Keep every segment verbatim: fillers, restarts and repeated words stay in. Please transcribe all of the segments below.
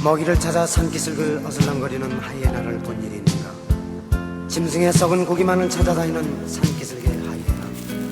먹이를 찾아 산기슭을 어슬렁거리는 하이에나를 본 일이 있는가. 짐승의 썩은 고기만을 찾아다니는 산기슭의 하이에나.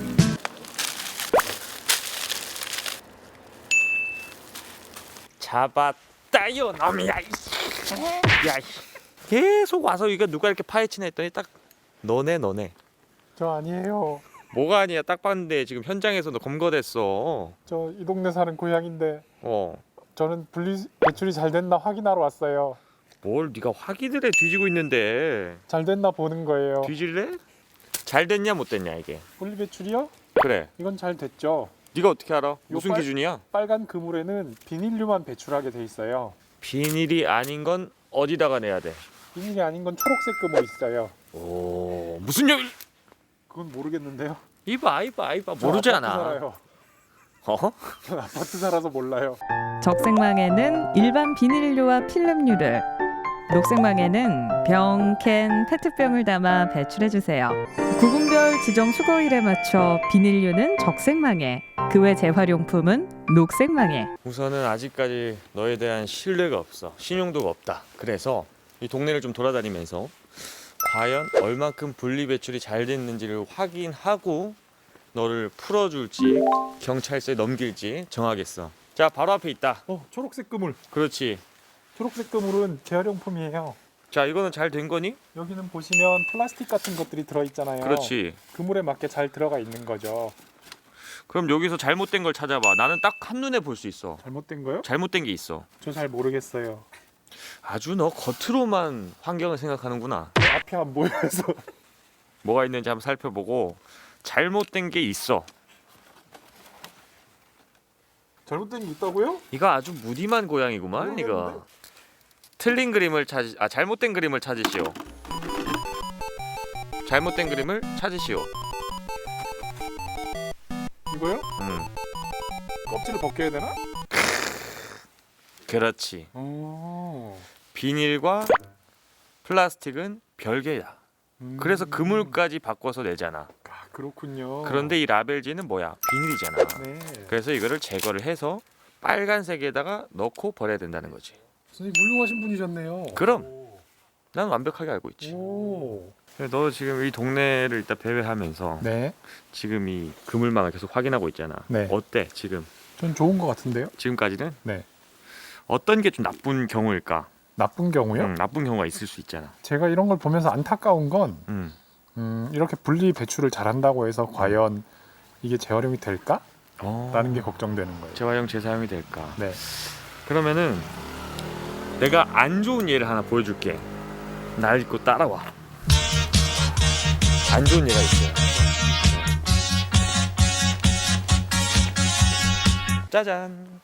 잡았다요 놈이야. 야, 계속 와서 이거 누가 이렇게 파헤치나 했더니 딱 너네 너네. 저 아니에요. 뭐가 아니야. 딱 봤는데 지금 현장에서도 검거됐어. 저 이 동네 사는 고양인데 어. 저는 분리 배출이 잘 됐나 확인하러 왔어요. 뭘 네가 확인을 해. 뒤지고 있는데. 잘 됐나 보는 거예요. 뒤질래? 잘 됐냐 못 됐냐 이게. 분리 배출이요? 그래. 이건 잘 됐죠. 네가 어떻게 알아? 무슨 빨- 기준이야? 빨간 그물에는 비닐류만 배출하게 돼 있어요. 비닐이 아닌 건 어디다가 내야 돼? 비닐이 아닌 건 초록색 그물 있어요. 오, 무슨 여? 그건 모르겠는데요. 이봐 이봐 이봐 전 모르잖아. 아파트 살아요. 어? 전 아파트 살아서 몰라요. 적색망에는 일반 비닐류와 필름류를, 녹색망에는 병, 캔, 페트병을 담아 배출해주세요. 구분별 지정 수거일에 맞춰 비닐류는 적색망에, 그 외 재활용품은 녹색망에. 우선은 아직까지 너에 대한 신뢰가 없어. 신용도가 없다. 그래서 이 동네를 좀 돌아다니면서 과연 얼만큼 분리 배출이 잘 됐는지를 확인하고 너를 풀어줄지 경찰서에 넘길지 정하겠어. 자, 바로 앞에 있다. 어, 초록색 그물. 그렇지. 초록색 그물은 재활용품이에요. 자, 이거는 잘 된 거니? 여기는 보시면 플라스틱 같은 것들이 들어있잖아요. 그렇지. 그물에 맞게 잘 들어가 있는 거죠. 그럼 여기서 잘못된 걸 찾아봐. 나는 딱 한눈에 볼 수 있어. 잘못된 거요? 잘못된 게 있어. 저 잘 모르겠어요. 아주 너 겉으로만 환경을 생각하는구나. 앞이 안 보여서. 뭐가 있는지 한번 살펴보고 잘못된 게 있어. 잘못된 게 있다고요? 이거 아주 무늬만 고양이구만 이거. 모르겠는데? 틀린 그림을 찾, 아 잘못된 그림을 찾으시오. 잘못된 그림을 찾으시오. 이거요? 음, 껍질을 벗겨야 되나? 그렇지. 오. 비닐과 플라스틱은 별개야. 음. 그래서 그물까지 바꿔서 내잖아. 아, 그렇군요. 그런데 이 라벨지는 뭐야? 비닐이잖아. 네. 그래서 이거를 제거를 해서 빨간색에다가 넣고 버려야 된다는 거지. 선생님 훌륭하신 분이셨네요. 그럼. 오. 난 완벽하게 알고 있지. 오. 너 지금 이 동네를 일단 배회하면서 네. 지금 이 그물망을 계속 확인하고 있잖아. 네. 어때 지금? 전 좋은 것 같은데요. 지금까지는? 네. 어떤 게 좀 나쁜 경우일까? 나쁜 경우요? 음, 나쁜 경우가 있을 수 있잖아. 제가 이런 걸 보면서 안타까운 건 음. 음, 이렇게 분리 배출을 잘한다고 해서 과연 이게 재활용이 될까? 어. 라는 게 걱정되는 거예요. 재활용 재사용이 될까? 네. 그러면은 내가 안 좋은 예를 하나 보여줄게. 날 믿고 따라와. 안 좋은 예가 있어요. 짜잔.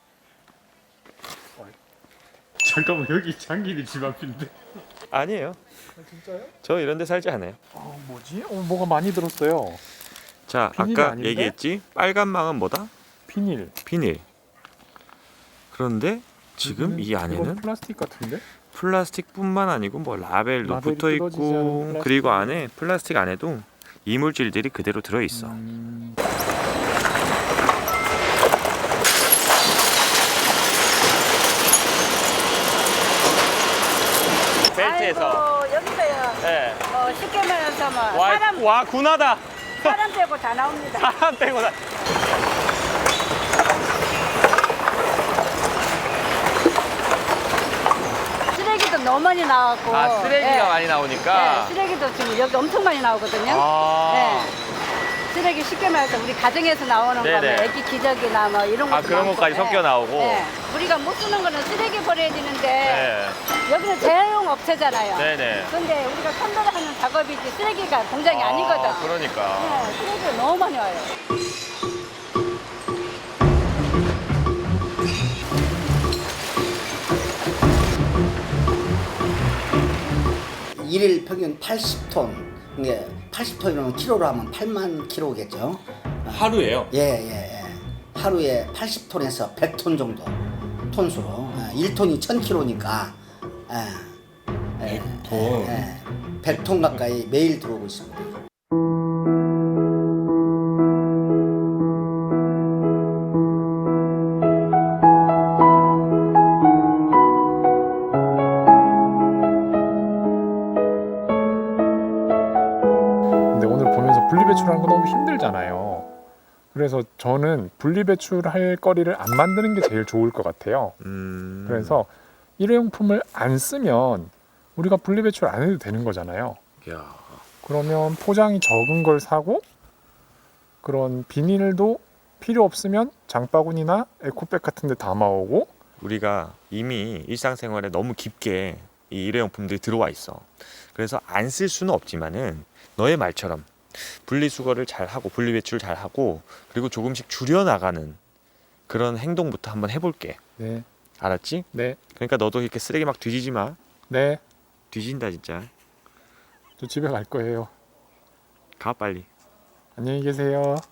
잠깐만, 여기 장기리 집 앞인데. 아니에요. 아, 진짜요? 저 이런 데 살지 않아요. 어, 뭐지? 어, 뭐가 많이 들었어요. 자, 비닐이 아까 아닌데? 얘기했지? 빨간 망은 뭐다? 비닐. 비닐. 그런데 지금 이 이건 안에는 플라스틱 같은데? 플라스틱뿐만 아니고 뭐 라벨도 라벨이 붙어 뜯어지지 않은 있고 플라스틱. 그리고 안에 플라스틱 안에도 이물질들이 그대로 들어 있어. 음... 벨트에서. 아이고, 여기서요. 네. 어, 쉽게 말해서 뭐 와, 사람 와 군하다. 사람 빼고 다 나옵니다. 사람 빼고 다. 쓰레기도 너무 많이 나왔고. 아 쓰레기가 예. 많이 나오니까. 네, 쓰레기도 지금 여기 엄청 많이 나오거든요. 아. 네. 쓰레기 쉽게 말해서 우리 가정에서 나오는 네네. 거뭐 애기 기저귀나 뭐 이런 거. 아, 그런 것까지 섞여 나오고? 네. 우리가 못 쓰는 거는 쓰레기 버려야 되는데 네. 여기는 재활용 업체잖아요. 네네. 근데 우리가 선별하는 작업이지 쓰레기가 공장이 아, 아, 니거든 그러니까. 네, 쓰레기가 너무 많이 와요. 일일 평균 팔십 톤. 이게 팔십 톤이면 키로로 하면 팔만 킬로겠죠. 하루에요? 예, 예, 예. 하루에 팔십 톤에서 백 톤 정도 톤수로. 일 톤이 천 킬로니까 예, 백 톤. 예, 백 톤 가까이 매일 들어오고 있습니다. 그래서 저는 분리배출할 거리를 안 만드는 게 제일 좋을 것 같아요. 음. 그래서 일회용품을 안 쓰면 우리가 분리배출 안 해도 되는 거잖아요. 야. 그러면 포장이 적은 걸 사고 그런 비닐도 필요 없으면 장바구니나 에코백 같은 데 담아오고 우리가 이미 일상생활에 너무 깊게 이 일회용품들이 들어와 있어. 그래서 안 쓸 수는 없지만은 너의 말처럼 분리수거를 잘하고 분리배출 잘하고 그리고 조금씩 줄여나가는 그런 행동부터 한번 해볼게. 네, 알았지? 네, 그러니까 너도 이렇게 쓰레기 막 뒤지지 마. 네. 뒤진다 진짜. 저 집에 갈 거예요. 가 빨리. 안녕히 계세요.